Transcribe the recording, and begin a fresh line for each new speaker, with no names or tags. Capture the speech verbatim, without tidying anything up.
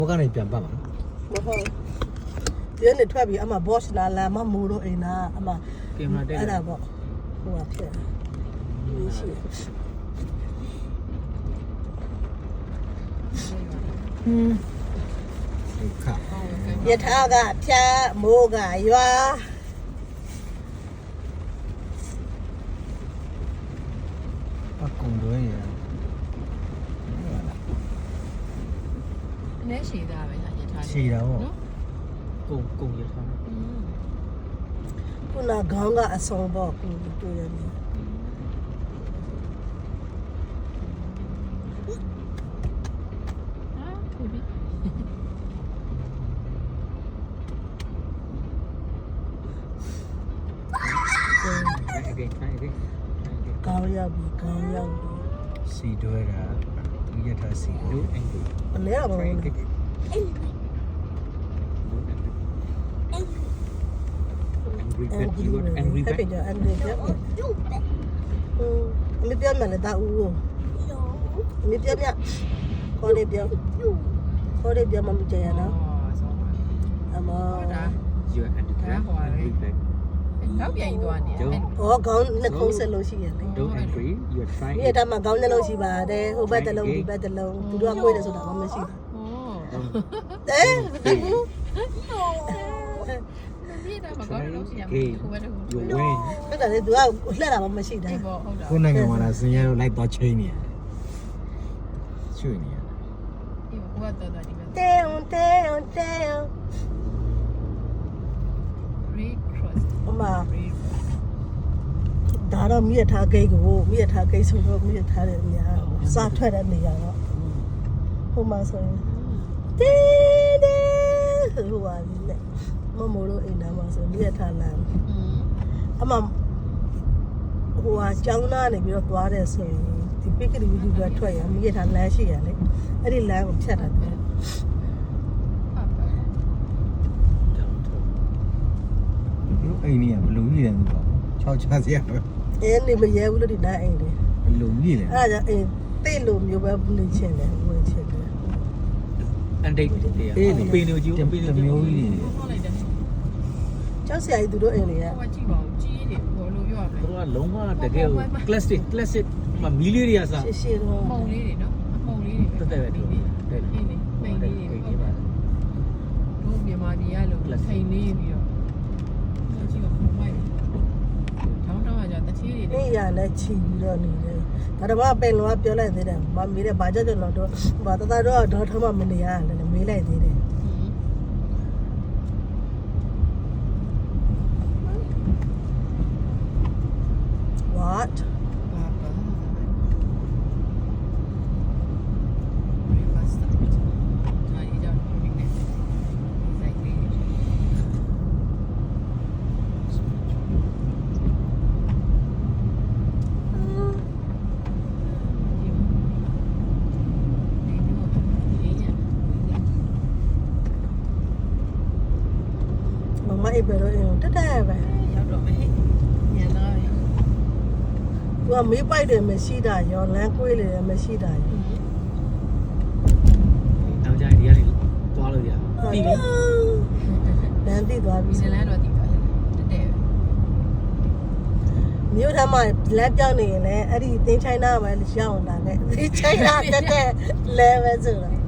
ဘောကနေပြန်ပတ်မှာ
မဟုတ်ဒီနေ့ထွက်ပြီးအမ boss လာလာမမူတော့အိမ်နာအမ
ကင်မရာတက်
အဲ့ဒါပေါ့ဟိုကဖြစ်ရှိဟင်း
ခါ
ယထာကဖြာမိုးကရွာ
အကုန်လွဲရ
အနေရှိသားပဲဟာယထာ
ရှိတာပေါ့
ကုံကုံရထား
ခုနခေါင်းကအစုံပေါ့ကိုတွေ့ရတယ်ကောင်းရောက်ပြီကောင်းရောက်ပြီ
စီတွဲတာဒီရထားစီတို့အင်္ဂလိပ်
အလဲပါဘူး
angry bird you are angry bird
angry bird angry bird အမေပြောမှလည်းတာဦးကိုအမေပြောပြခေါ်နေပြောခေါ်နေပြောမှမကြရနော်အမ
you are angry bird
တော့ပြန်သွားနေတယ်
။ဟောခေါင်းနှစ်ခုဆက်လို့ရှိရတယ်။
don't angry you are trying
ဒီအတမခေါင်းနှလုံးရှိပါတယ်။ဟိုဘက်တစ်လုံးဒီဘက်တစ်လုံးသူတို့ကကိုယ်တယ်ဆိုတာဘာမှမရှိဘူး။အဲ
ဒီတော့မကောင်းလို့ရှိရမယ်ဟိုဘက်ဟို
you win
အဲ့ဒါလေသူကလှက်တာမှမရှိတာ
ဒီပေါ့ဟုတ်တာ
ကိုနိုင်ငံမှာလားစင်ရတော့လိုက်တော့ချိန်နေရချွေနေရ
ဒီဟိုကတော့တော့ဒီက
။တဲုံတဲုံတဲုံ
red cross
အမဒါတော့မိရထားဂိတ်ကိုမိရထားဂိတ်ဆိုတော့မိရထားတဲ့နေရာစားထွက်တဲ့နေရာတော့ဟိုမှာဆိုရင်တဲတဲဟိုပါလေမမိုးတို့အိမ်နာမှာဆိုမိရထားလမ်းအမဟိုဟာကျောင်းသားနေပြီးတော့သွားတယ်ဆိုရင်ဒီပိကရီဝီဒီကထွက်ရမိရထားလမ်းရှိရလေအဲ့ဒီလမ်းကိုဖြတ်တာတယ်
တို့အိမ်ကြီးကဘလူကြီးတယ်သူတော့ချောက်ချစရာပဲ
အဲနေမရဲဘူးလို့ဒီနားအိမ်လေ
ဘလူကြီးတယ်
အဲ့ဒါကြောင့်အိမ်တိတ်လို့မျိုးပဲနေချင်တယ်ဝင်ချင်တယ်
and date တရားပင်နေကြည့်ပင်နေကြည့်
မျိုးကြီးတွေ
ဟုတ်လိုက်တယ်
ကျောက်ဆရာကြီးသူတို့အိမ်တွေက
ဟိုကကြည့်ပါဦးကြီးတယ်ဘောလို့ပြောရမယ်
သူကလုံးဝတကယ် classic classic မမီလီတွေကစား
ရှေ့ရှေ့တော့
ပုံလေးတွေနော်အပုံလေးတွေ
တက်တက်ပဲဒီနေ့တဲ့
ဒီနေ့ပိန်လေးတွေတို့မြန်မာပြည်ကလို့ထိန်လေးပြီးတော့ကြည့်ပါဦးမိုက်ထောင်းထောင်းကကြာတချီးတွေ
နေရလဲချီပြီးတော့နေတယ်ဒါတော့ပင်လောကပြောလိုက်သေးတယ်မမေးတယ်ဘာကြောင့်ကျွန်တော်တို့ဘာတသားတော့တော့ထမမနေရတယ်လည်းမေးလိုက်သေးတယ် what
ဘာဘာဘယ်မှာစတာဒါရီကြောင့်ဒီနေ့ဆိုင်လေး
မမအိပ်ပဲတော့တက်တက်ပဲ
ရောက်တော့မယ်ညလာပြီ
သူကမေးပိုက်တယ်မရှိတာရောလမ်းကွေးလေမရှိတာရော
နောက်ကြရင်ဒီကနေသွားလို့ရပြီပြီ
လမ်းတိသွားပြီ
ဒီလမ်းတော့တည်သွားတယ်တက်တယ်
မြို့ထမ်းမှာလမ်းပြောင်းနေရင်လည်းအဲ့ဒီသင်းချိုင်းနာမှာရောက်လာခဲ့သင်းချိုင်းနာတက်တက်လဲပဲဆိုတာ